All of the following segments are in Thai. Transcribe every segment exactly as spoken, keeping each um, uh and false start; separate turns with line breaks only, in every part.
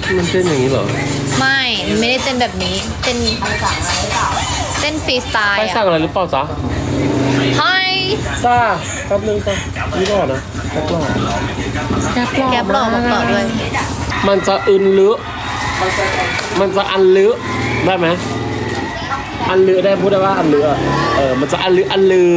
มันเต้นอย่างนี้เหรอ
ไม่ไม่ได้เต้นแบบนี้เต้นเต้นฟรีสไตล์
ไปสั่งอะไรหรือเปล่าจ๊ะ
ไฮ
จ้าแป๊บนึงจ้ะนี่ก่อนนะแป๊บหล่อแป๊บหล่อ
แกบหล่อบอกต่อด้วย
มันจะอึนลึมันจะอันลึได้ไหมอันลึได้พูดได้ว่าอันลึเออมันจะอันลึอันลือ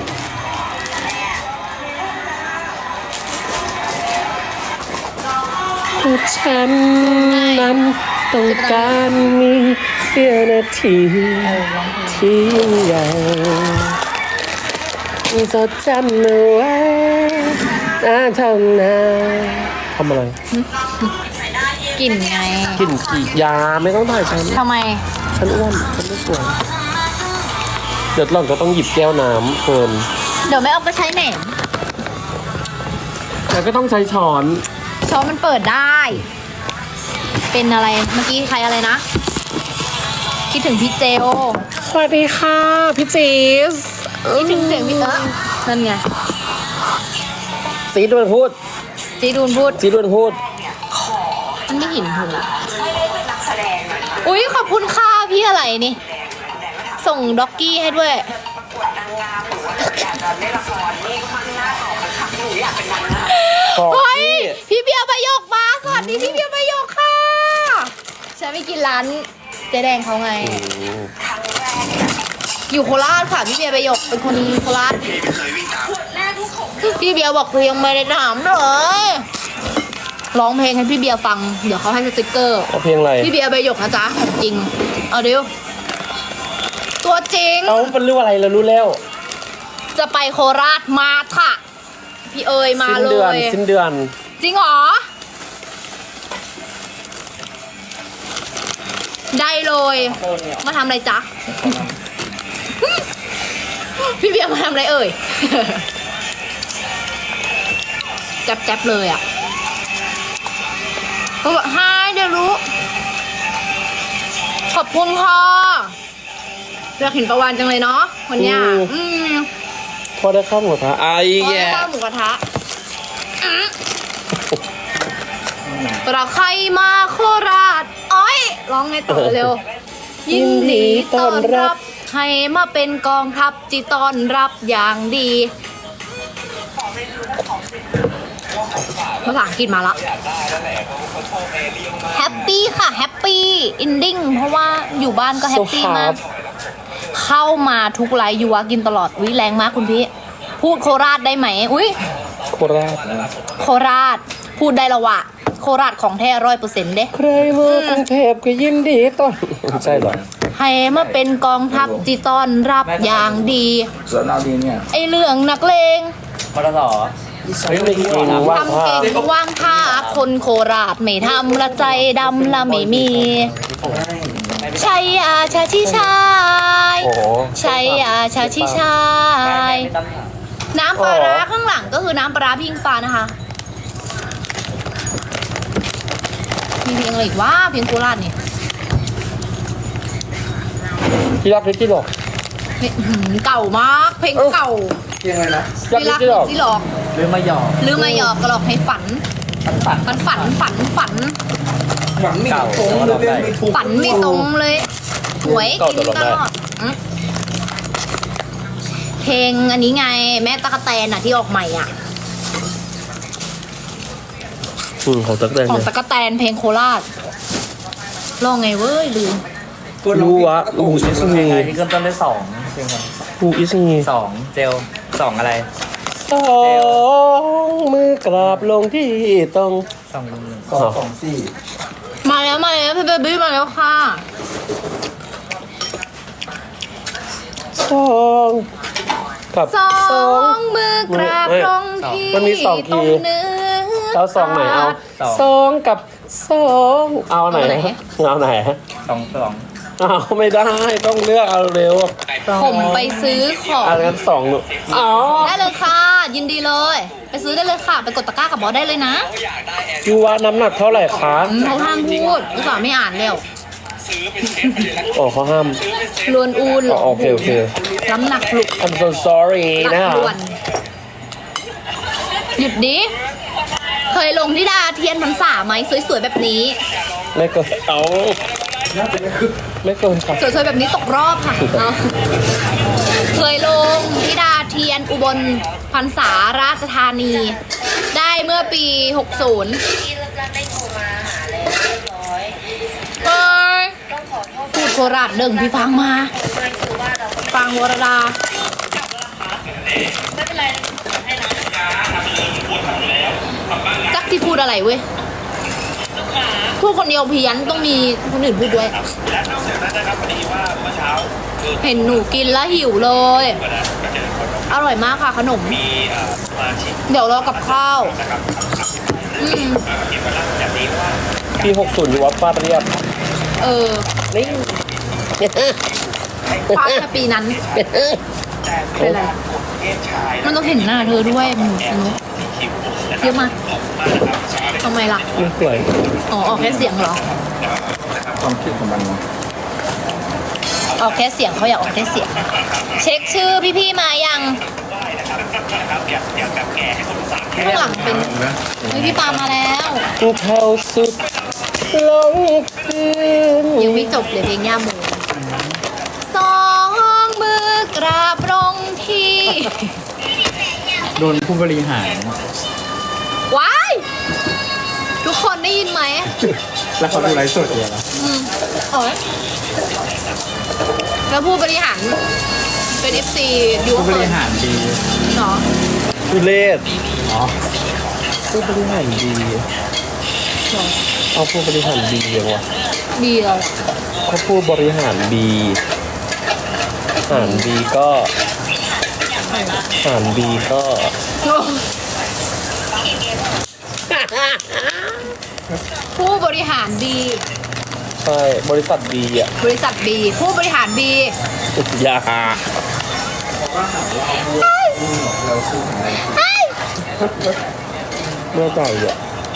ฉันนั้นต้องการมีเสี้ยวนาทีที่ยิ่งใหญ่จดจำเอาไว้นะทำนาทำอะไร
กลิ่นไง
กลิ่นกี่ยาไม่ต้องถ่ายฉัน
ทำไม
ฉันอ้วนฉันไม่สวยเดี๋ยวหล่อนก็ต้องหยิบแก้วน้ำเพิ่ม
เดี๋ยวไม่เอาไปใช้แหนม
แล้วก็ต้องใช้ช้อน
ช้อนมันเปิดได้ เป็นอะไรเมื่อกี้ใครอะไรนะ คิดถึงพี่เจโอ
สวัสดีค่ะพี่จีส
คิดถึงเสียงพี่เออนั่นไง
ซีดวนพูด
จีดูนพูด
ซีดวนพูด
มันไม่เหินหูอุ้ยขอบคุณค่ะพี่อะไรนี่ ส่งด็อกกี้ให้ด้วย
ขอบ
เฮ้ย
พี่
พี่เบียร์ประโยคมาสวัสดีพี่เบียร์ประโยคค่ะฉันไปกินร้านเจ๊แดงเขาไง อยู่โคราชค่ะพี่เบียร์ประโยคเป็นคนโคราชพี่เบียร์บอกคือยังไม่ได้ถามเลยร้องเพลงให้พี่เบียร์ฟังเดี๋ยวเขาให้สติกเกอร์
เอาเพลงอะไร
พี่เบียร์ประโยคนะจ๊ะของจริงเอาดิวตัวจริง
เอาเป็นเรื่องอะไรเรารู้แล้ว
จะไปโคราชมาค่ะพี่เอ๋ยมา
สิ้น
เล
เดือน
ย
สิ้นเดือน
จริงเหรอ ได้เลย มาทำอะไรจ๊ะ พี่เบียร์มาทำอะไรเอ่ย จับจับเลยอ่ะ ก็บอกให้เดี๋ยวรู้ ขอบคุณค่ะอยากเห็นประวันจังเลยเนาะวันเนี้ยอืม
พอได้ข้าวหมูกระทะไอ้
โอ้ย
แย่
ข้าวหมูกระทะอืมเราใครมาโคราชอ้อยร้องไงต่อเร็ว ยินดีต้อนรับให้มาเป็นกองทัพจีต้อนรับอย่างดีภาษาอังกฤษมาละแฮปปี้ค่ะแฮปปี้อินดิ้งเพราะว่าอยู่บ้านก็แฮปปี้มาก เข้ามาทุกไลฟ์ยูวะกินตลอดวิแรงมากคุณพี่ พูดโคราชได้ไหมอุ้ย
โคราช
โคราชพูดได้ละวะโคราชของแท้ร้อยเปอร์เซ็นต์เด้
ใครมากรุงเทพก็ยินดีต้อนใช่เหรอ
ให้มาเป็นกองทัพจีต้อนรับอย่างดี
ส่วนเราดีเนี่ย
ไอเรื่องนักเลง
พอสอ
เฮ้ยไม่กินว่าง
ทำ
ผ้า
เก่งว่างท่าคนโคราชไม่ทำละใจดำละไม่มีชัยอาชาชิชาย
โอ้โห
ชัยอาชาชิชาย น้ำปลาร้าข้างหลังก็คือน้ำปลาร้าพิงฟ้านะคะ มีเพลงอะไรอีกวะเพลงโคราชนี่
ที่รักที่ที่หลอก
เพลงหืมเก่ามาก เพลงเก่า
เพียงเลยนะ
ที่รัก
ที่
ที่
รั
หลอก
ที่หลอก
หรือมาหยอก
หรือมาหยอกก็หลอกให้ฝัน
ฝันฝัน
ฝันฝันฝันฝัน
หวังไม่ตรงเรื่องไม่ถูก
ฝันไม่ตรงเลยหวยกินตลอดอืมเพลงอันนี้ไงแม่ตะกะแตนอ่ะที่ออกใหม่อ่ะ
อืมของตั๊กแตน
ของ
เนี่ย
ตะกะแตนเพลงโคราชลองไงเว้ยลืม
รู้วะอูอิสงี
ที่เริ่มต้นด้วยสองเพลงมัน
อูอิสงี
สองเจลสองอะไร
สองมือกราบลงที่ตรง
สองสองสองสี่
มาแล้วมาแล้วพี่เบบี้มาแล้วค่ะ
สองกับ
สองมือกราบลงที่
มันมีสอง
ตร
คี
ง
ย์
เนื้อ
แล้วสองไหนเอาสองกับสองเอาไหนเอาไหน
สองสอง
เอาไม่ได้ต้องเลือกเอาเร็ว
ผมไปซื้อของ
อันนั้นสองหนูอ๋อ
ได้เลยค่ะ ยินดีเลย ไปซื้อได้เลยค่ะ ไปกดตะกร้ากับบอสได้เลยนะ
ยูวะน้ำหนักเท่าไหร่คะ
อืมเขาห้ามพูดอุตส่าห์ไม่อ่านเร็ว
อ๋อเขาห้าม
ลวนอูน
อ๋อโอเคโอเค
น้ำหนักหลุก
I'm so sorry
หนั
นะ
กลวน หยุดดิ เคยลงที่ดาเทียนพรรษาไหมสวยๆแบบนี้
ไม่เกินเอาไม่เกินค่ะ
สวยๆแบบนี้ตกรอบค่ะเอาเคยลงธิดาเทียนอุบลพรรษาราชธานี ได้เมื่อปี หกสิบ
ที่เลิกรักได้โทรมาหาแล้วเรียบร้อย
เฮ้ย
ต้องขอโทษ
พูดโคราชเดิ่งพี่ฟังมา
ด้วยคือว่าเราก็
ฟังวรดา
ไม่เป็นไรให้นะ
จักที่พูดอะไรเว้ย พูดคนเดียวเพี้ยนต้องมีคนอื่นพูดด้วย เห็นหนูกินแล้วหิวเลย อร่อยมากค่ะขนม เดี๋ยวรอกับข้าว อืม
ปีหกสิบอยู่วัดป้าเรียบ
เออ
นี่
ฟาดแค่ปีนั้น เป็นไร มันต้องเห็นหน้าเธอด้วยหนูหนูเยอะมากทำไมล่ะ
ไม่สวย
อ๋อออกแค่เสียงเหรอ
ความคิดของมัน
ออกแค่เสียงเขาอยากออกแค่เสียง เช็คชื่อพี่ๆมายังข้างหลังเป็นเฮ้ยพี่ปามาแล้ว
เท่าสุดลงคืน
ยังไม่จบเลยเพลงย่าโมสองมือกราบลงที่
โดนผู้บริหาร
ว้าย ทุกคนได้ยินไหม
แล้วเขาดูไลฟ์สดอยู่เหรอ
อืมโอ้ยแล้วผู้บริหารเป็น เอฟ ซี ดู
ผู้บ
เขิ
ริ
น
หารดี
เนาะ
ทุเรศ
อ๋อ
ผู้บริหารดี
เนาะ
เอาผู้บริหารดียังวะ
ดีเลย
ถ้าผู้บริหารดีหารดีก็หารดีก็
ผู้บริหารดี
ใช่บริษัทดีอ่ะ
บริษัทดี ผู้บริหารดี
อย่าเมื่อใจอ่ะ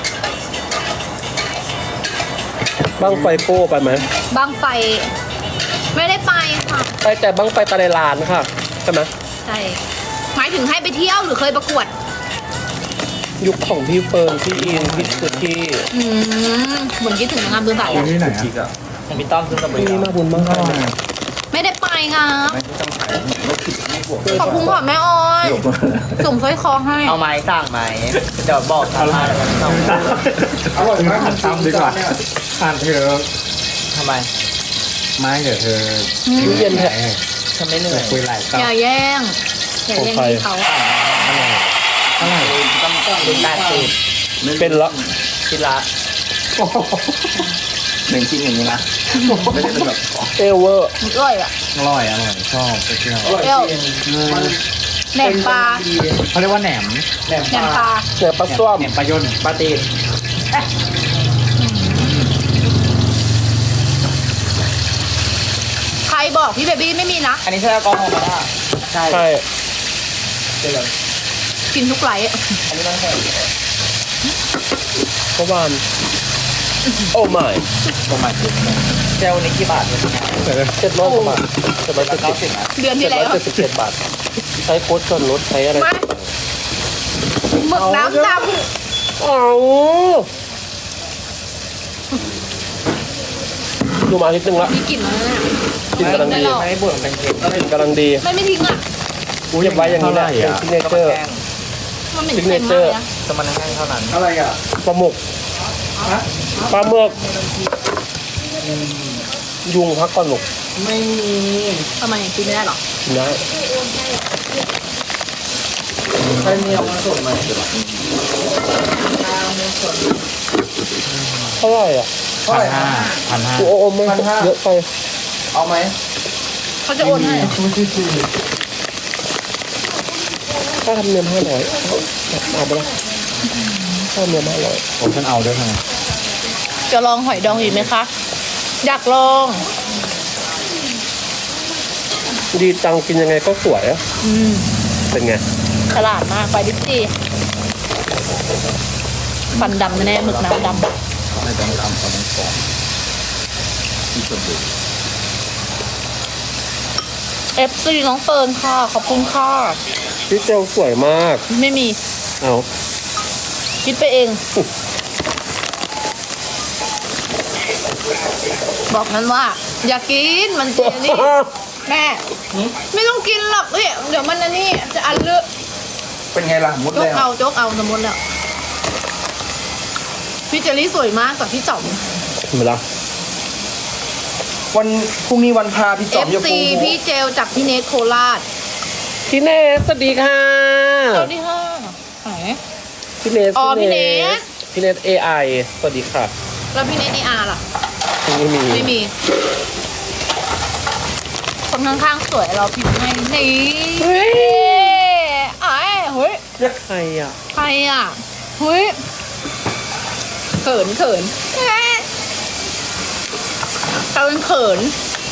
บ้างไฟโป้ไปไหม
บางไฟ ไม่ได้ไปค่ะ
ไปแต่บ้างไฟตะไลลานค่ะใช่ไหม
ใช่ หมายถึงให้ไปเที่ยวหรือเคยประกวด
ยุคของพี่เฟิร์นพี่อินพี่สุกี้
อืมเหมือนคิดถึงนางงามเดินสาย
อยู่
อะ
ที่ไหนอ่ะมีต้อมขึ้นกระบ
พี่น่าบุญมากเลย
ไม่ได้ไปงาม
ไม่ต้องขายไม่ผิดไม่บวก
ขอบคุณค่ะแม่ออย ส่งสร้อยคอให้
เอาไม้สั่งไหมเดี๋ยวบอกทางร้านแล้วกันต้องอร่อยมากหันตามดีกว่าผ่านเธอทำไม ไม่เดี๋ยวเธอ
เย็นแท้
ฉันไม่เหนื่อยคุยหลายต่อ
อย่าแย่ง อย่าแย่งพี่เขา
เท่าไหร่ต้องต้องดูแปดสิบ
เป็นละ
ชิ้นละหนึ่งชิ้นอย่างนี้นะไม่ได้เป็นแบบ
เอเวอร์
อร่อยอ่ะ
อร่อยอร่อยชอบไปเที่ยว
เปรี้ยวแหนมปลา
เขาเรียกว่าแหนมแหนม
แหนมปลา
เสือปลาส้วม
แหนมปลายนปลาตีน
ใครบอกพี่เบบี้ไม่มีนะ
อันนี้ใช่แอลกอฮอล์ไหมล่ะใช่
ใช่
กินทุกไลฟ์อะ
อันนี้ต้องใส่
เมื่อวานโอ้ไม่
ประมาณสิบเจลนี้กี่บาทเนี่ย
เจ็ดร้อยกว่าบาทเจ็ดร้อยเจ็ด
เก้า
สิ
สิ
บบ
นะ
เดือน
เจ็
ที่
ดร้
แล้
อยว เจ็ดสิบเจ็ดบาท ใช้โค้ดส่วนลดใช้อะไร
มาหมึกน้ำด
เอาดูมาอาทิตย์หนึงละ
ำมีกลิ่นไหมเนี่ย
กลินกำลัง
ไม่
ดี
หรอก
ไม่บ่นเป็นเค็ม
กลินกำลังดี
ไม่ไม่ทิ้งอ่ะ
เก็บไว้อย่างนี้แหละเป็นซิกเนเจอร์
มันเหม็นเค็มมากเลยนะ
จะมันแห้งเท่านั้นอะไรอ่ะ
ปลาหมึกปลาหมึกยุงพักก่อนหมก
ไม่มี
ทำไมกินไม่ได้หรอ
นะ
ใครมีเอามาส่งมา
เท่าไหร่อ่ะ
พันห้าพันห้า
โอ้โหไม่เยอะไป
เอาไหม
เขาจะโอนให้
ค่าธรรมเนียมห้าร้อยเอาไปละค่าธรรมเนียมห้าร้อย
ผมฉันเอาด้วยไง
จะลองหอยดองอีกไหมคะ อยากลอง
ดีจังกินยังไงก็สวยอ่ะ
อืม
เป็นไง
ฉลาดมากไปดิสิฟันดำแน่ๆหมึกน้ำดำ
ไม่ต้องทำตอนนี้ก่อนที่สุดเลย
เอฟซีน้องเฟิร์นค่ะ ขอบคุณค่ะ
พี่เจลสวยมาก
ไม่มี
เอา
คิดไปเอง
ค
บอกมันว่า อย่ากินมันเจนี่แม่ไม่ต้องกินหรอกเฮ้ยเดี๋ยวมันอันนี้จะอันเลอะ
เป็นไงล่ะมด
จ
แล้
ก
ว
เอาจกเอาสมมติแล้วพี่เจลลี่สวยมากกว่าพี่จ๋อม
ไม่ละ
วันพรุ่งนี้วันพาพี่จอม
เอฟ
จะ
ซี
ปู
พี่เจลจากพี่เนทโคราช
พี่เนสสวัสดีค่ะ
สวัสดีค่ะไหน
พี่เนส
อ๋อพี่เนส
พี่เนสเอไอสวัสดีค่ะ
แล้วพี่เนทในอาร์ล่ะ
ไม่มี
ไม่มี คนข้างๆสวยเราพิมพ์ให้นี่เฮ้ยไอ้เฮ้ย
ใครอ่ะ
ใครอ่ะเฮ้ยเขินเขินเอ๊ะเราเป็นเขิน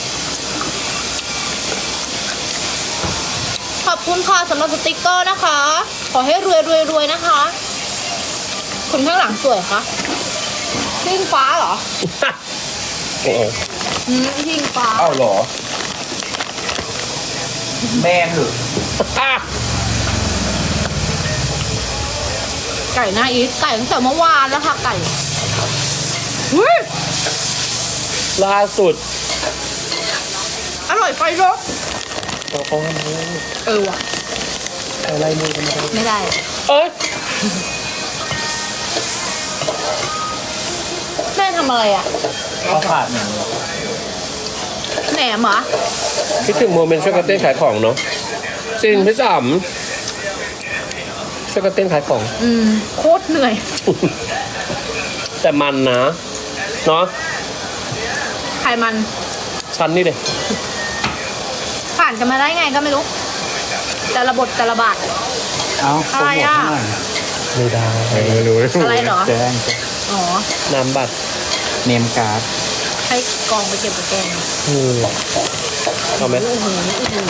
ขอบคุณค่ะสำหรับสติกเกอร์นะคะ ขอให้รวยรวยรวยนะคะ คนข้างหลังสวยคะทิ้งฟ้าเหรอ
โอ้โห
อืมทิ้งฟ้า
เอ้าเหรอ แม่เหรอ
ไก่หน้าอีทไก่ตั้งแต่เมื่อวานแล้วค่ะไก่หุ้ย
ล่าสุด
อร่อยไปเนอะ
เราเขาทำไม
เออว่ะ
อะไรมือกันมา
ไม่ได้
เอ้ย
แม่ทำอะไรอ่ะ
ข้าวผัดเนี่ย
แหนมเหรอ
คิดถึงโมเมนต์ช่วยกันเต้นขายของเนาะจริงพี่สามช่วยกันเต้นขายของ
อืมโคตรเหนื่อย
แต่มันนะเนาะ
ใครมัน
ชั้นนี่เลย
ผ่านกันมาได้ไงก็ไม่รู้ แต่ละบทแต่ละบาท
เอ้า
อะไรอ่ะ
ไม่ได้
ไม่รู้
อะไรเหรอ
แจ้ง
อ๋อ
น้ำบัตร
เนมการ์ด
ให้กองไปเก็บกับแกง
อืมเอาไหม
โอ้โหโอ้โห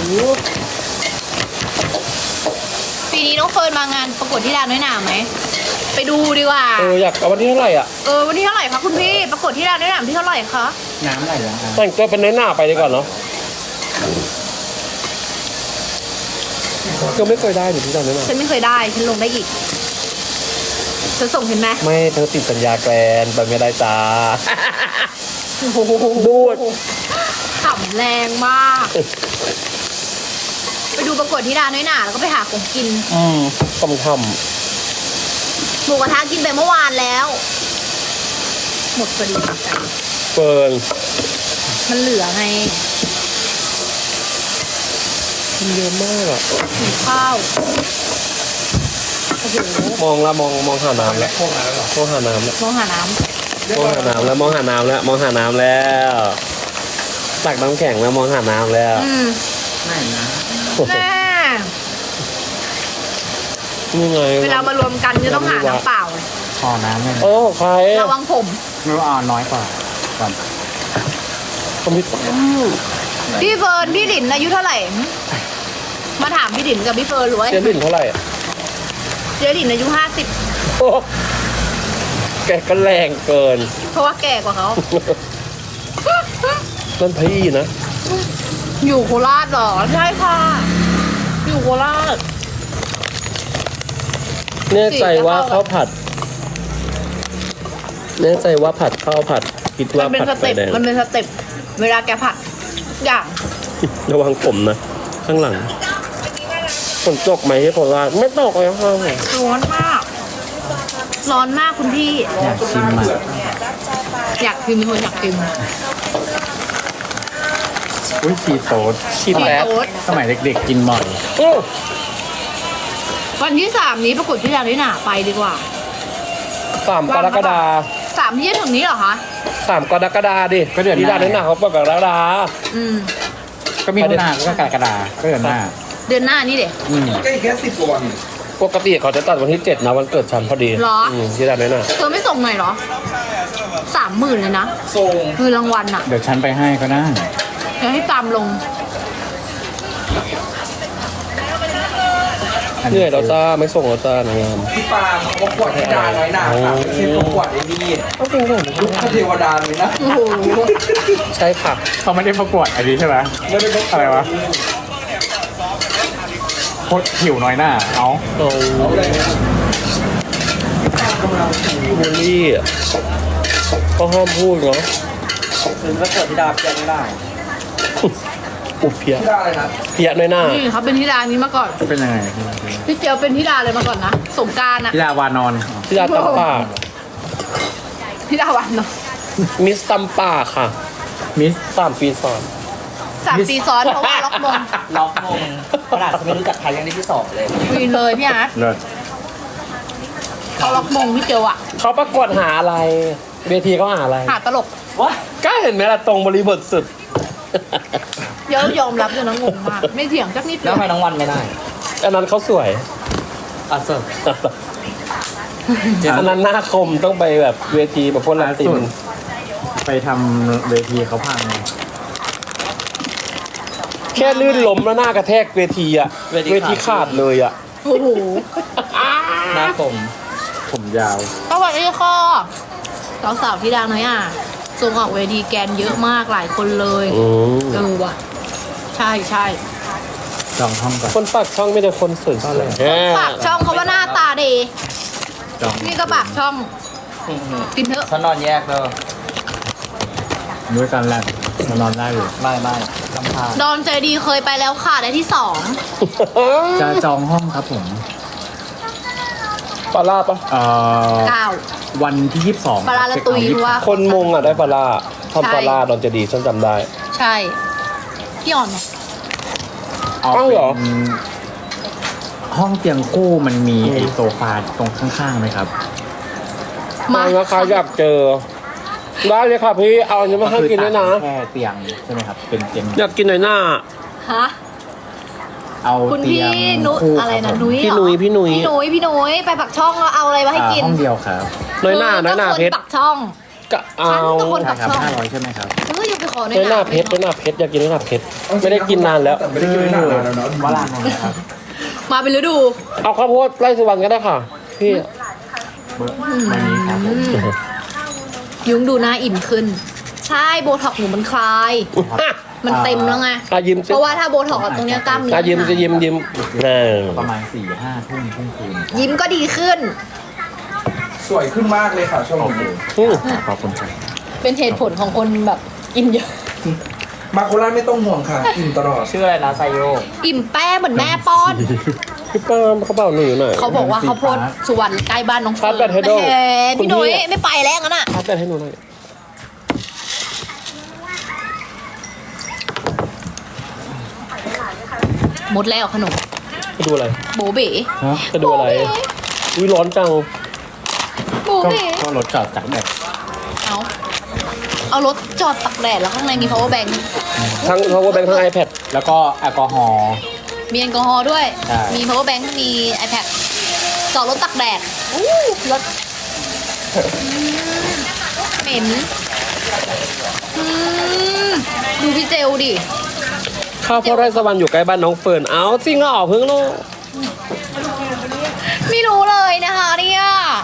ปีนี้น้องเฟิร์นมางานประกวดที่ดานน้อยหนาไหม ไปดูดีกว่า
เอออยากเอาวันที่เท่าไหร่อ่ะ
เออวันที่เท่าไหร่คะคุณพี่ประกวดที่ดานน้อยหนาที่เท่าไหร่คะ
น้ำไหลแล้วอ่ะ
แต่งตัวเป็นน้อยหน้าไปดีกว่าเนาะก็ไม่เคยได้หรือที่จำได้ไหม
ฉันไม่เคยได้ฉันลงได้อีกฉันส่งเห็นไหม
ไม่เธอติดสัญญาแกรนไปไม่ได้จ้า
โอ้โห
บูด
ขำแรงมาก ไปดูประกวดที่ดานน้อยหนาแล้วก็ไปหาของกิน
อืม
ทำท
หมูกระทะกินไปเมื่อวานแล้ว หมดพอดี
ำเฟิร์น
มันเหลือไง
กินเยอะมากอ่ะ
กินข้าวโอ้โห
มองละมองมองหาน้ำแล้ว
พวกมาแล้วเหรอ
มองหาน้ำแล้ว
มองหาน้
มองหาน้ำแล้วมองหาน้ำแล้วมองหาน้ำแล้วตักน้ำแข็งแล้วมองหาน้ำแล้ว
ำอืม
ไม่นะ
แน่
นี่ไง
เวลามารวมกันจะต้องหาน้ำเปล่า
พอน้ำเนี่ย
โอ้ใคร
ระวังผม
ไม่รู้เอาน้อยกว่าก่อน
คอมพิวเตอร์
พี่เฟิร์นพี่หลินอายุเท่าไหร่ มาถามพี่หลินกับพี่เฟิร์นหรือว่า
เจลินเท่าไหร่อะ
เจหลินอายุห้าสิบ
โอ้แกก็แรงเกิน
เพราะว่าแก่กว่าเขา
นั่นพี่นะ
อยู่โคราชเหรอ ใช่ค่ะ อยู่โคราช
แน่ใจว่าข้าวผัด แน่ใจว่าผัดข้าวผัด คิด
มั
ว่าน
เป็น
ผัด
ส
ไฟ
เต็ป
แดง
มันเป็นสเต็ปเวลาแกผัดทุกอย่าง
ระวังผมนะ ข้างหลังฝนตกไหมที่โคราชไม่ตกเลยค่ะ
ร้อนมาก ร้อนมากคุณพี่
อยากชิมอ่ะ
อยากกินคนอยากกิน
อุ้ยชีโต๊ด
ชิม
พี่
แล้ว
โต๊ด
สมัยเด็กๆกินบ่อย
โอ้
วันที่สามนี้ประกวดที่ดาวนิหนาไปดีกว่า
สามกรกฎา
สามที่จะถึงนี้เหรอคะ
สามกรกฎาดิที่ด้านนั้นหนาเขาเปิดกรกฎา
อืม
ก็มีทุนาก็กรกฎาก็เดือนหน้า
เดือนหน้านี่เด็ก
อืม
ก็อีกแค่สิบกว่าวัน
ปกติเขาจะตัดวันที่เจ็ดนะวันเกิดฉันพอดี
เหรอ
อืมที่ด้านนั้นน่ะ
เธอไม่ส่งหน่อยเหรอสามหมื่นเลยนะ
ส่ง
คือรางวัลอะ
เดี๋ยวฉันไปให้ก็ได้
เดี๋ยวให้ตามลง
เหนื่อยแล้วจ้าไม่ส่งแล้วจ้านางงาม
พี่ปาล์มเขาประกวดที่ดาน้อยหนาค่ะไม่ใช่ประกวดไอ้นี่
ก็จริงเหรอ
ลูกเทวดาเลยนะ
โอ้โห
ใช่ค่ะ
เขาไม่ได้ประกวดอันนี้ใช่ไหม
ไม่ได้ประกวด
อะไรวะโคตรหิวน้อยหน้าเอา
เอา
เอาเลยนะ
บูลลี่อะก็ห้ามพูดเนาะ
คือถ้าเกิดที่ดาบยังไม่ได้
อุบเพีย
ที่ได้อะไรนะ
เพียน้อยหน้า
นี่เขาเป็นธิดานี้มาก่อน
เป็นยังไง
พี่เจียวเป็นธิดาเลยมาก่อนนะสงกรารอะ
ที่ดาวานอน
ที่ดาตัมป่า
ธิดาวันเนาะ
มิสตัมป่าค่ะ
มิส
สามปีซ้อน
สามปีซ้อนเพราะว่าล็อกมง
ล็อกมงขนาดจะไม่รู้จักใครยังได้ที่สองเลย
วีนเลยพี่อาร์ต
เลิศ
เขาล็อกมงพี่เจียวอะ
เขาประกวดหาอะไร เวทีเขาหาอะไร
หาตลก
ว้า
ก็เห็นไหมล่ะตรงบริบทสุด
เดี๋ยวยอมรับเลยนะงงมากไม่เถียงสักนิดเดี
แล้
ยว ว
ทำไมน้องวันไม่ได้
อันนั้นเขาสวย
อ่ะเสิร์ฟ
อันนั้นหน้าคมต้องไปแบบเวทีแบบพวกลาติน
ไปทำเวทีเขาพัง
แค่ลื่นล้มแล้วหน้ากระแทกเวทีอะเวทีขาดเลยอะ
โอ้โห
หน้าผมผมยาว
สวัสดีค่ะสาวๆที่ดังหน่อยอ่ะส่งออกเวทีแกนเยอะมากหลายคนเลย
อืม
เออว่ะ ใช่ใช่
จองห้องก่อน
คนปากช่องไม่แต่คนสวยๆ
ปากช่องเขาว่าหน้าตาดี
จอง
นี่ก็ปากช่องกินเถอะ
เขานอนแยกเลยด้วยกันแหละมานอนได้เลยไม่ไม่ลำพา
ดอนใจดีเคยไปแล้วค่ะได้ที่สอง
จะจองห้องครับผม
ปลาล่าปะ
เอ่อ
เก้า
วันที่ยี่สิบสอง
ปลาละตุยเพราะว่า
คนมงอะได้ปลาล่าทำปลาล่าตอนจะดีฉันจำได้
ใช่พี่อ่อนไหม
เอา
อ้าวเหรอ
เป็นห้องเตียงคู่มันมีไอโซฟาตรงข้างๆไหมครับ
มา
มานะคะอยากเจอ ได้เลยค่ะพี่เอาอันนี้มาให้กินด้วยนะ
แค่เตียงใช่ไหมครับ เป็นเตียง
อยากกินหน่อยหน้า
ฮะ
เอา
คุณ
เตี
พี่
ยง
นุ
คู่
อะไร
ค
นะ
บผม
นุ้ย
พี่
เหรอ
นุ้ยพี่นุ้ย
พี่นุ้ยพี่นุ้ยไปปักช่องแล้วเอาอะไรมาให้กิน
อ่าห้องเดียวครับ
น้อยหน้าน้อยหน้าเพชร
ปักช่อง
ก็เอา
ฉันเป็นคน
ใช่ครับ
ช่อง
ห้าร้อยใช่ไหมครับ
เอออย่าไปขอ
น้อยหน้าเพชรน้อยหน้าเพชรอยากกินน้อยหน้าเพชรไม่ได้กินนานแล้ว
แต่ไม่ได้กินนานแล้วเนาะ
วลานนท์นะครับ
มาเป็นฤดู
เอาข้าวโพดไร่สุวรรณก็ได้ค่ะ พี่
เบอร์วันนี้ครับผม
ยุ้งดูหน้าอิ่มขึ้น ใช่โบท็อกหนูมันคลาย มันเต็มแล้วไง
อายิ้มสิ
เพราะว่าถ้าโบท็อกอะตรงเนี้ยกล้ามเนื้
อายิ้มจะยิ้มยิ้มเออ
ประมาณสี่ห้าทุ่มทุ่มคืน
ยิ้มก็ดีขึ้น
สวยขึ้นมากเลยค่ะช่วงนี้
อืม
ขอบคุณครับ
เป็นเหตุผลของคนแบบกินเยอะ
มาโคราชไม่ต้องห่วงค่ะกินตลอด
ชื่ออะไรนะไซโย
อิ่มแป้เหมือนแม่ป้อน
พี่ป้ามเขาเบาหนูหน่อย
เขาบอกว่าเขาโพดสุวรรณใกล้บ้านน้อง
ชาร์จแบตให้ด้วย
แหม
คุณ
พี่
พี่
หนุ่ยไม่ไปแล้วงั้นอ่ะ
พัดแบตให้หนูหน่อย
หมดแล้วขนม
จะดูอะไร
โบเบ๋
ฮะ
จะดูอะไรอุ้ยร้อนจัง
โบ
ก็
เบ๋
ก็รถจอดจากแบบ
เอาเอารถจอดตักแดดแล้วข้างในมี power bank
ทั้ง power bank ทั้ง iPad
แล้วก็แอลกอฮอล์
มีแอลกอฮอล์ด้วย
ใช่
มี power bank มี iPad จอดรถตักแดดอู้รถเหม็นอืมดูพี่เจลดิ
ข้าวโพดไร่สวรรค์อยู่ใกล้บ้านน้องเฟิร์น เอาจริงเหรอเพิ่งรู้
ไม่รู้เลยนะคะเนี่ย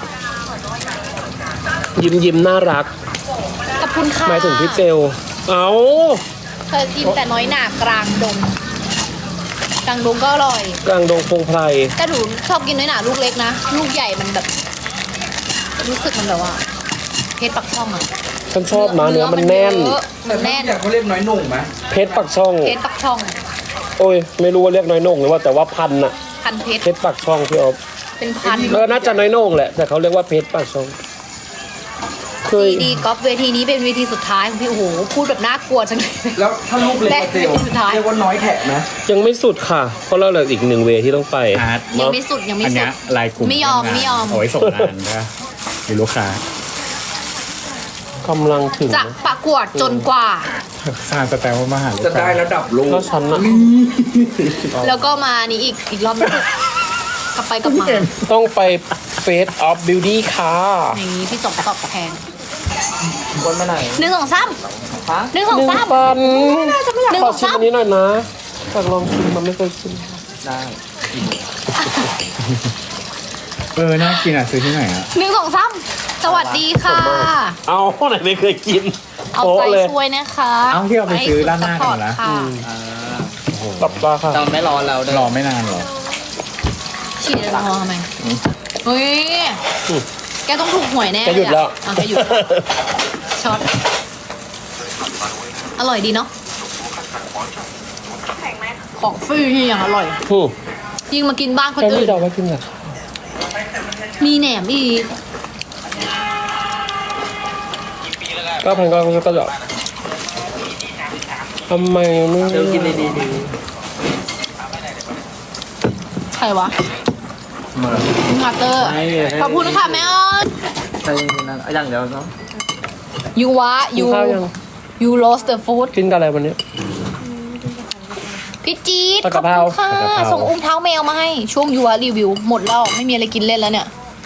ยิ้มยิ้มน่ารัก
ขอบคุณค่ะ
หมายถึงพี่เจล เอา
เคยกินแต่น้อยหนากลางดงกลางดงก็อร่อย
กลางดงพงไพร
แต่หนูชอบกินน้อยหนาลูกเล็กนะ ลูกใหญ่มันแบบ รู้สึกมันแบบว่าเพชรปักช่องอะ
ฉันชอบนะเนื้อมันแน่น
เยอะ
แต่
มัน
ถ้า
แน่น
อยากเขาเรียกน้อยหนุ่มไหม
เพชรปักช่อง
เพชรปักช่อง
โอ้ย ไม่รู้ว่าเรียกน้อยโหน่งหรือว่าแต่ว่าพันอะ
พันเพชร
เพชรปักช่องพี่อ๊อฟ
เป็นพัน
เออน่าจะน้อยโหน่งแหละ แต่เขาเรียกว่าเพชรปักช่อง เคย
ดีดีกอล์ฟเวทีนี้เป็นเวทีสุดท้ายของพี่โอ้โหพูดแบบน่ากลัวจังเลย
แล้วถ้าลูกเล็กกว่าเจล
และสุดท้าย
เรียกว่าน้อยแขกไหม
ยังไม่สุดค่ะ เพราะเราเหลืออีกหนึ่งเวที่ต้องไป
อาร์ต
ยังไม่สุดยังไม่
อัน
สุ
เนี้
ด
ยลายกลุ่ม
ไม่ยอมไม่ยอม
เอาไว้ส่งงานนะมีลูกค้าก
ำลังถึง
จะประกวดจนกว่า
สร้างสแตมป์มาหาลูก
จะได้
ค้า
ระดับโลก
ก็ฉันอะ
แล้วก็มานี้อีกอีกรอบหนึงกลับไปกลับมา
ต้องไป Face of Beauty ค่ะ
อย่างนี้พี่สมตอบแทน
คนมาไหน
หนึ่งสองสาม
ฮะ
หนึ่งสอง
หนึ่ง
สาม
ปัน
หนึ่ง
ข
ส
อ
อง
ชิม
สาม
อันนี้หน่อยนะอยากลองชิมมันไม่เคยกิน
ได้ เออ น่ากินอ่ะ ซื้อที่ไหนอ่ะ
หนึ่งสองสามสวัสดีค่ะ
เอาไหนไม่เคยกิน
เอา
โป๊ะ
ใจ
เลย
ช่วยนะคะ
เอาที่เราไปซื้อร้านหน้ากันเหรอ
ให้สุดซัพพอร์ตค่ะ
ปรับปลาค่ะ
ตอนไม่รอเรารอไม่นานหรอ
ฉีดแอลกอฮอล์ทำไมเฮ้ย
อืม
แกต้องถูกหวยแน่
แกหยุดแล้ว
อ่ะแกหยุดช็อตอร่อยดีเนาะของฟรีนี่อย่างอร่อย
อืม
ยิ่งมากินบ้านคน
แค่
อื่
นี้
น
เราไม่กินอ่ะ
มีแหนมอีก
ก็พันก็ก็จะทำไมไม่
เดี๋ยวกินดีดีดี
ใครวะ
เมื่อ
คุณคัตเตอร์
ให้ให้
ขอบคุณค่ะแม่อ้อน
ใช่นั่นอย่างเดียวเนาะ
ยูวะ
กิน
ยู
ข้าวยัง
ยูโรสเตอร์ฟู้ด
กินกันอะไรวันนี้
พี่จี๊ด
ผัด
ข
กะ
อบ
เพรา
คุณค่ะ
ผัดกะเพรา
ส่งอุ้มเท้าแมวมาให้ ช่วงยูวะรีวิว หมดแล้ว ไม่มีอะไรกินเล่นแล้วเนี่ย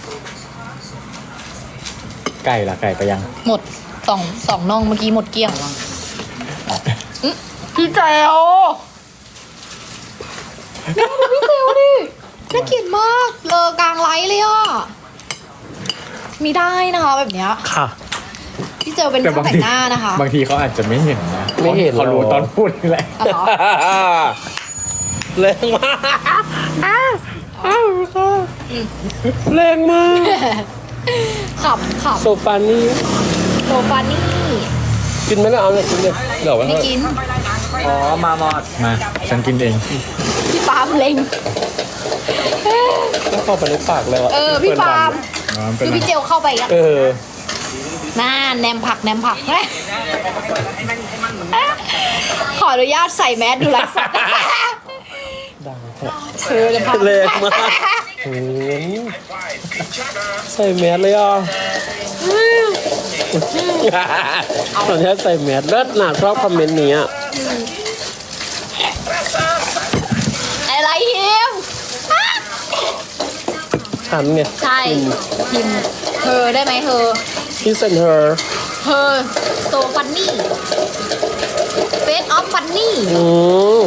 ไก่ละไก่ไปยัง
หมดสองสองน่องเมื่อกี้หมดเกลี้ยงอื้อพี่แจวน่าดูพี่แจวดิน่าเกลียดมากเลอกลางไลฟ์เลยอ่ะมีได้นะคะแบบเนี้ย
ค่ะ
พี่เจลเป็นช่างแต่งหน้านะคะ
บางทีเขาอาจจะไม่เห็นนะ
ไม่เห็น
เขารู้
หรอ
ตอนพูดนี่แหละ
อ๋อเหรอ
แรงมากอ้าวอ้าวแรงมาก
ขำข
โซฟานี่
ำโซฟานี่
กินไหมล่ะเอาเลยกินเลยเดี๋ยวไว้
ไม่
ให้
กิน
อ๋อมามอดมาฉันกินเอง
พี่ปาล์มเล็ง
แล้วเข้าไปในปากแล้วอะ
เออพี่ปาล์ม
อ๋อเป็น
คือ
ไร
พี่เจลเข้าไปอ่ะ
เออ
น่าแนมผักแนมผักขออนุญาตใส่แมสดูไลฟ์สด
ดัง
เธอจะพัก
แรงมากโอ้ยใส่แมสเลยอ่ะตอนนี้ใส่แมสเลิศหนาชอบคอมเมนต์นี้อะ
อะไรฮิม
ฉันไง
ใช่ฮิมเธอได้ไหมเธอ
พี่เซนเธอ
เธอโซฟันนี่เฟสออฟฟันนี่
อืม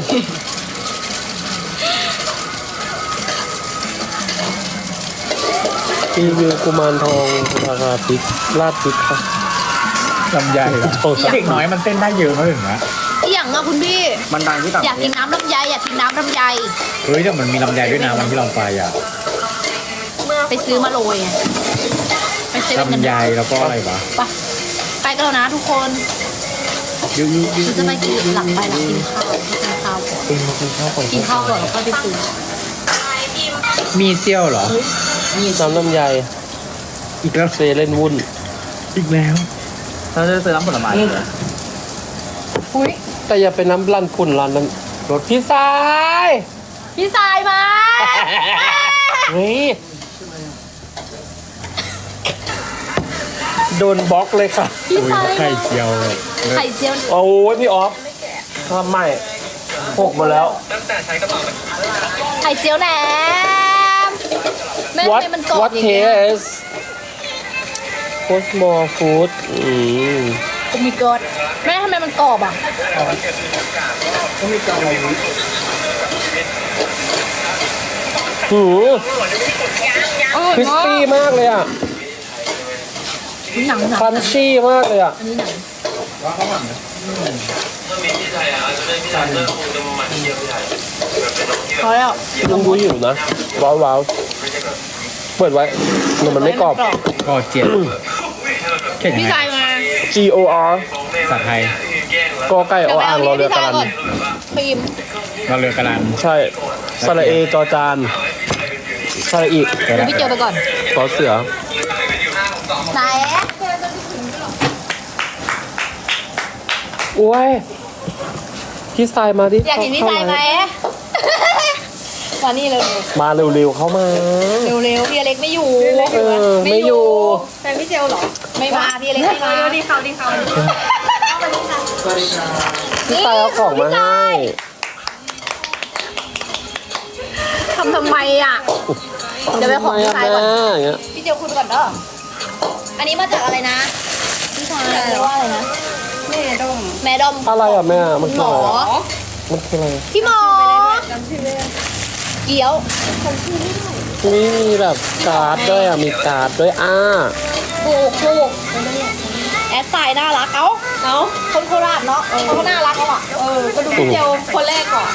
รีวิวกุมารทองราคาพริกลาดพริกค่ะ
ลำไยเหรอ
โอ้ย
เด็กน้อยมันเต้นได้เยอะมากถึงนะ
อหย่างอะคุณพี่
มันดังที่ต่าง
อยากกินน้ำลำไยอยากกินน้ำลำไย
เฮ้ยแต่มันมีลำไยด้วยนะวันที่เราไปอ่ะ
ไปซื้อมาโรยไงไปเซเว่นกัน
ลำไยแล้วก็อะไรวะ
ไปไปกันแล้วนะทุกคน
ยูยูยู
ฉันจะไปกินหลังไปหลังกินข้าวกินข้าวก่อน
กินกินข้าวก่อน
กินข้าวก่อนแล้วก็ไปซื้อ
มีเซี่ยวเหรอ
น้ำลำไย
อีกแล้ว
เซเลนวุ่น
อีกแล้วเราจะซื้อน้ำผลไม้เหรอ
อุ้ย
แต่อย่าไปน้ำรันปุ่นรันนั้นรถพี่สาย
พี่สายมา
เฮ้ยโดนบล็อกเลยค่ะ
พี่
อุ้ย
สาย
ไข่เจียว
ไข่เจียว
โอ้ยพี่ออฟทำใหม่หกหมดแล้ว
ไข่เจียวแหนมแม่ทำ
What
ไมมันกรอบ
What
อย่างเงี้ย
taste What's more food อืม
โอ้ my god แม่ทำไมมันกรอบอ่ะ
หือ
อร่อย
คริส
มาก
ปี้มากเลยอ่ะ
หนังหนัง
ครันชี่มากเลยอ่ะ
อันนี้หนังพอแล้ว
ลุงดูอยู่นะ ว้าวว้าวเปิดไว้มันไม่กรอบ
ก็เจียวเข่ง
พี่
ไง
สายมา
G O R
ภาษาไทย
กอไก่อ
เดี๋ยวไป
อ่าง
เอา
รอ
นี่
เรือ
พี่
ก
สาย
รัน
ก่อนครีม
เราเรือกระลัน
ใช่สระเอจอจานสระอี
เดี๋ยวพี่เจอไปก่อน
ต่อเสือ
ไหน
โอ้ยพี่สายมาดิ
อยากเห็นพี่สายไหมมานี่เร็ว
มาเร็วๆเข้ามา
ๆเร็วๆพี่อเล็กไม่อยู่
เออไม่อยู่
แต่พี่เจลเหรอ ไม่มาพี่อเล็กไม่มาดีเขาดีเขา
พี่สายเอาของมาให้
ทำทำไมอ่ะ เดี๋ยวไปขอพี่สายก่อน
ทำไมะแม่อย่างเงี้ย
พี่เจลคุณก่อนเด้ออันนี้มาจากอะไรนะพี่ชายเรียกว่าอะไรนะแม่ดมแม่ดม
อะไรอ่ะแม่มัน
หม
คือ
อ
อะไรอะมันคืออะไร
พี่หมอเกี๊ยว
นี่มีแบบการ์ดด้วยอ่ะมีการ์ดด้วยอ่า
ถูกถูกแอดไซน์น่ารักเอ้าเอ้าคนโคราชเนาะเขาก็น่ารักเขาอ่ะเออก็ดูพี่เจลคนแรกก่อน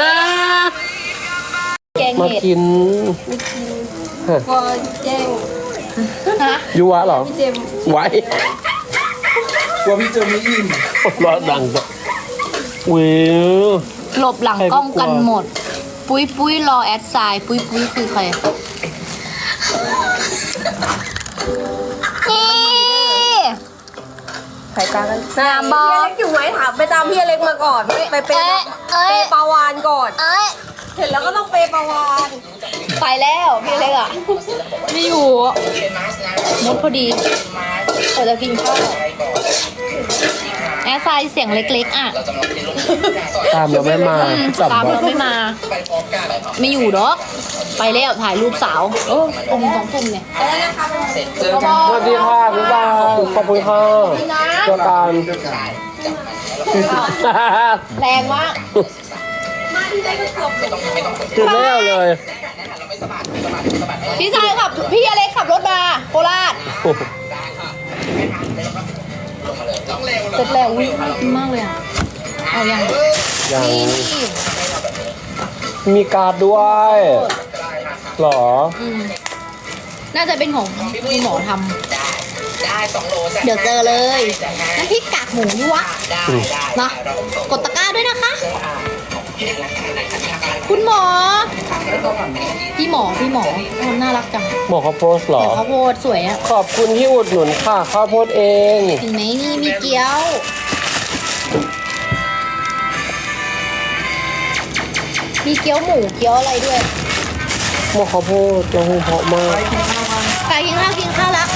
แกง
มา
เห็ด
กิน
ก็แกงฮะ
ยูวะเหรอ
พี่เจม
ไว้
กลัวพี่เจอไม่อิ่ม
ร้อนดังจ้ะวิว
หลบหลังกล้องกันหมด ปุ้ยปุ้ยรอแอดไซน์ปุ้ยปุ้ยคือใครนี่
สายตากัน
งามบอ
พี่อเล็กอยู่ไหมถามไปตามพี่อเล็กมาก่อน ไปเปย์
เอ้ย
เปย์ปาวานก่อน
เอ้ย
เห็นแล้วก็ต้องเปย์ปาวาน
ไปแล้วพี่เล็กอ่ะ ไม่อยู่มดพอดีเราจะกินข้าวแอร์ไซน์เสียงเล็กๆอ่ะ
ตามเราไม่มา
อืม
จับ
ตาม
ไว้
เราไม่มา ไม่อยู่ดอกไปแล้วถ่ายรูปสาวโอ้กลุ่มสองกลุ่มเนี่ย
สวัสดีค่ะพี่บางขอบคุณค่ะเจอกัน
แรงมาก
ตื่นแล้วเลย
พี่ชายขับ พี่อเล็กขับรถมาโคราชเสร็จแล้วอุ้ยน่ากินมากเลยอ่ะ เอายัง
ยัง
นี่นี่
มีการ์ดด้วยหรอ
อืมน่าจะเป็นของคุณหมอทำเดี๋ยวเจอเลยน้ำพริกกากหมูนี่วะเนาะกดตะกร้าด้วยนะคะ คุณหมอ พี่หมอพี่หมอทำน่ารักจัง
หมอเขาโพสต์เหรอ
เดี๋ยวข้าวโพดสวยอ่ะ
ขอบคุณที่อุดหนุนค่ะข้าวโพดเอง
เห็นไหมนี่มีเกี๊ยว มีเกี๊ยวหมูเกี๊ยวอะไรด้วย
หมอข้าวโพดเราหูเพราะมาก
ไปกินข้าวกินข้าวละ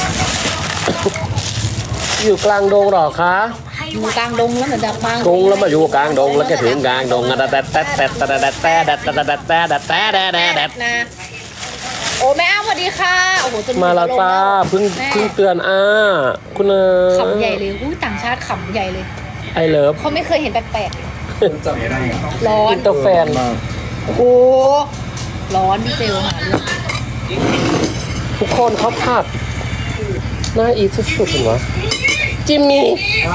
อยู่กลางดงเหรอคะ
อยู่กลางดงแล้วเหมือนจะกลาง
ดงแล้วมาอยู่กลางดงแล้วก็ถึงกลางดงอะแต่แต่แต่แต่แต่แต่แต่แต่แต่แต่แต่แต่แต่แต่
นะโอ้แม่อ้ำสวัสดีค่ะโอ้โหจน
มาแล้วจ้าเพิ่งเพิ่งเตือนอ่าคุณเออ
ขำใหญ่เลยอู้ต่างชาติขำใหญ่เลย
ไอเลิฟ
เขาไม่เคยเห็นแปลกๆร้อน
อินเตอร์แฟน
โอ้โหร้อนพี่เจลหาเรื่อง
ทุกคนเขาผัดหน้าอีสุดๆเห็นไหมจิมมี่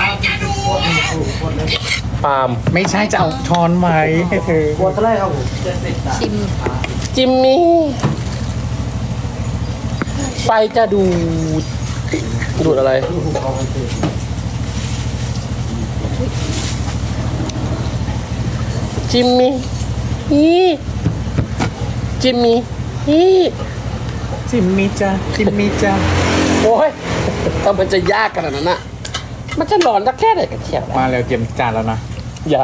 ปาล์ม
ไม่ใช่จะเอาช้อนไหมให้เธอ
ชิม
จิมมี่ไฟจะดูดดูดอะไร จิมมี่ฮีจิมมี่ฮี
จิมมี่จ้าจิมมี่จ้า
โอ้ยทำไมจะยากขนาดนั้นน่ะ มันจะหลอนสักแค่ไหนกันเชียว
มาแล้วเตรียมจานแล้วนะ
อย่า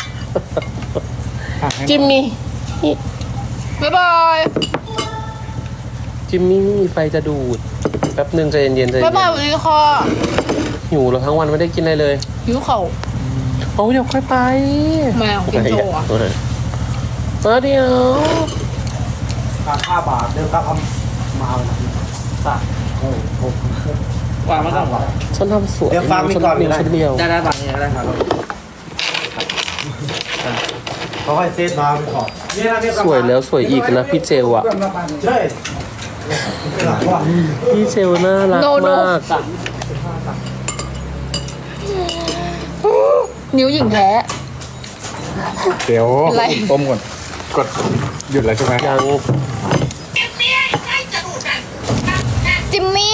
อ่ะให้
จิมมี่
บ๊ายบาย
จิมมี่ไฟจะดูด แป๊บหนึงใจเย็นๆใจเย็
บ๊ายบาย
น
สวัสดีค่ะ
ๆหิวแล้วทั้งวันไม่ได้กินอะไรเลย
หิวเข่า
โอ้เดี๋ยวค่อยไป
แมวกินโชว์อะ
เออเออเดี๋ยว
ห้าบาทเดิมครับมาสักโอ้โหวางมาก่อน
ฉันทำสวย
เดี๋ยวฟังมีก่อน
ฉันมีชุดเดียว
ได้ได้บางอย่างได้ครับเขาให้เซตมาไปขอ
สวยแล้วสวยอีกนะพี่เจลอ่ะ
ใช่
พี่เจลน่ารัก
โนโน
มาก
นิ้วหญิงแท้
เดี๋ยว
อะไร
ต้มก่อนกดหยุดแล้วใช่ไหม
ยัง
จิมมี่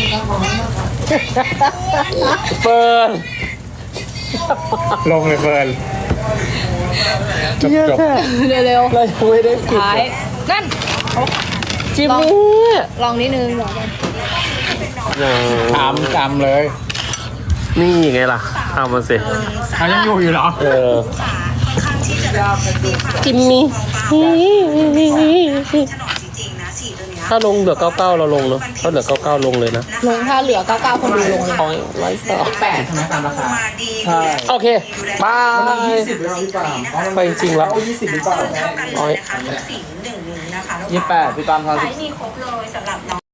เฟิร์น
ลงเลยเฟิร์นจบ
เยอะ
จบ
แค่
เร็ว
เรายังไม่ได้
ๆ
ปิด
ท้ายนั่น
จิมมี่
ลองนิดนึงลอง
ยัง
ตามตามเลย
นี่ไงล่ะเอามาสิ
เขายังอยู่อยู่เหรอ
เออจิมมี่ถ้าลงเหลือเก้าเก้าเราลงเนาะถ้าเหลือเก้าเก้าลงเลยนะ
ลงถ้าเหลือเก้าเก้าคนดูลงเลย
ร้อยร้อยสอง
แปดใช่ไหมตามราคาใช่
โอเคบาย
ยี่สิบหรือเปล่าพี่ปาม
ไปจริงแล้ว
เอายี่สิบหรือเปล่า
ร้อย
สีหนึ่งนี้นะคะ
ยี่สิบแปดพี่ปามทอน
ไซส์มีครบเลยสำหรับน้อง